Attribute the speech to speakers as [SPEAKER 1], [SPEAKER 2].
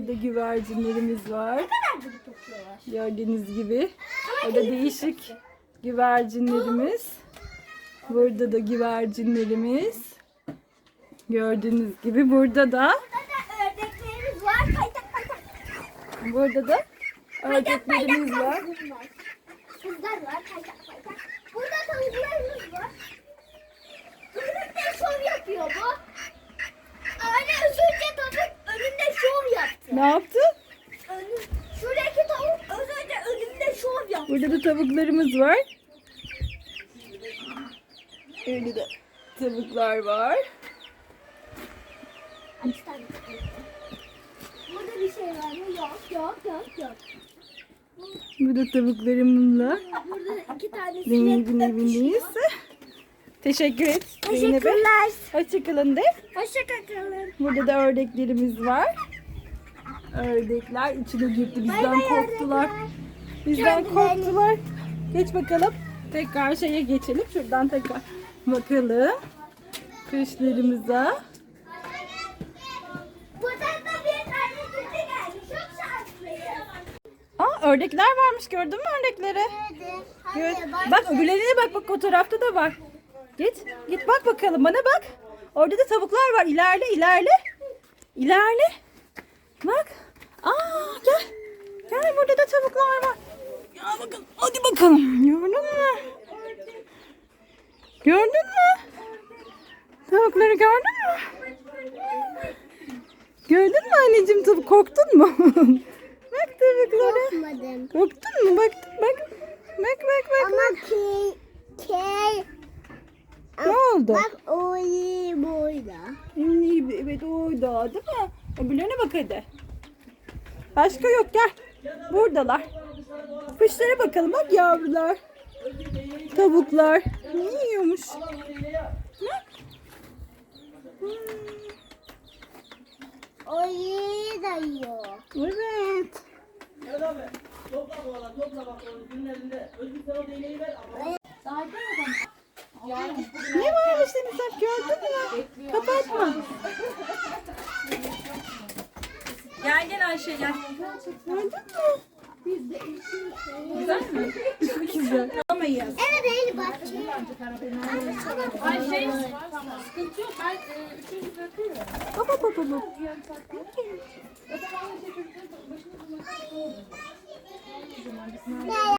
[SPEAKER 1] Burada güvercinlerimiz var. Gördüğünüz gibi. Burada değişik güvercinlerimiz. Burada da güvercinlerimiz. Gördüğünüz gibi burada da
[SPEAKER 2] Ördeklerimiz var.
[SPEAKER 1] burada da ördeklerimiz var.
[SPEAKER 2] Kızlar var. Burada tavuklarımız var. Önümde şov yapıyor bu. Anne az önce tavuk önümde şov yaptı.
[SPEAKER 1] Ne yaptı?
[SPEAKER 2] Şuradaki tavuk az önce önümde şov yaptı.
[SPEAKER 1] Burada da tavuklarımız var. Burada da tavuklar var.
[SPEAKER 2] Burada bir şey var mı? Yok.
[SPEAKER 1] Burada tavuklarımızla
[SPEAKER 2] Burada iki tane
[SPEAKER 1] Zeynep'in evindeyiz. Teşekkür et Zeynep'e.
[SPEAKER 2] Teşekkürler.
[SPEAKER 1] Hoşçakalın de.
[SPEAKER 2] Hoşçakalın.
[SPEAKER 1] Burada da ördeklerimiz var. Ördekler içine girdi. Bizden korktular. Bizden korktular. Geç bakalım. Tekrar şeye geçelim. Şuradan tekrar bakalım. Kuşlarımıza.
[SPEAKER 2] Buradan da bir tane kedi geldi. Çok şanslıyım.
[SPEAKER 1] Aa, ördekler varmış. Gördün mü ördekleri? Gör. Bak öbürlerine bak fotoğrafta da var. Git bak bakalım bana bak. Orada da tavuklar var. İlerle. Bak. Aa gel. Gel burada da tavuklar var. Ya bakın hadi bakalım. Gördün mü? Tavukları gördün mü? Gördün mü anneciğim tavuk korktun mu? Bak tavuklara.
[SPEAKER 2] Korkmadım.
[SPEAKER 1] Korktun mu? Bak.
[SPEAKER 2] Ama key.
[SPEAKER 1] Ne oldu?
[SPEAKER 2] Bak o iyi boyda.
[SPEAKER 1] Evet orada değil mi? Öbürlerine bak hadi. Başka yok gel. Buradalar. Kuşlara bakalım bak yavrular. Tavuklar. Ne yiyormuş? Bak.
[SPEAKER 2] O iyi da yiyor.
[SPEAKER 1] Evet.
[SPEAKER 3] Evet abi. Topla bu arada. Topla bak. Günün elinde. Özgür sen o değneği ver.
[SPEAKER 1] Ne varmış senin sen gördün mü? Kapatma. Gel Ayşe gel. Gördün mü? Güzel mi? Çok güzel. Alamayız.
[SPEAKER 2] Evet Eylül bak.
[SPEAKER 4] Ayşe sıkıntı yok. Ben üçüncü bırakıyorum.
[SPEAKER 1] Baba.
[SPEAKER 2] Ya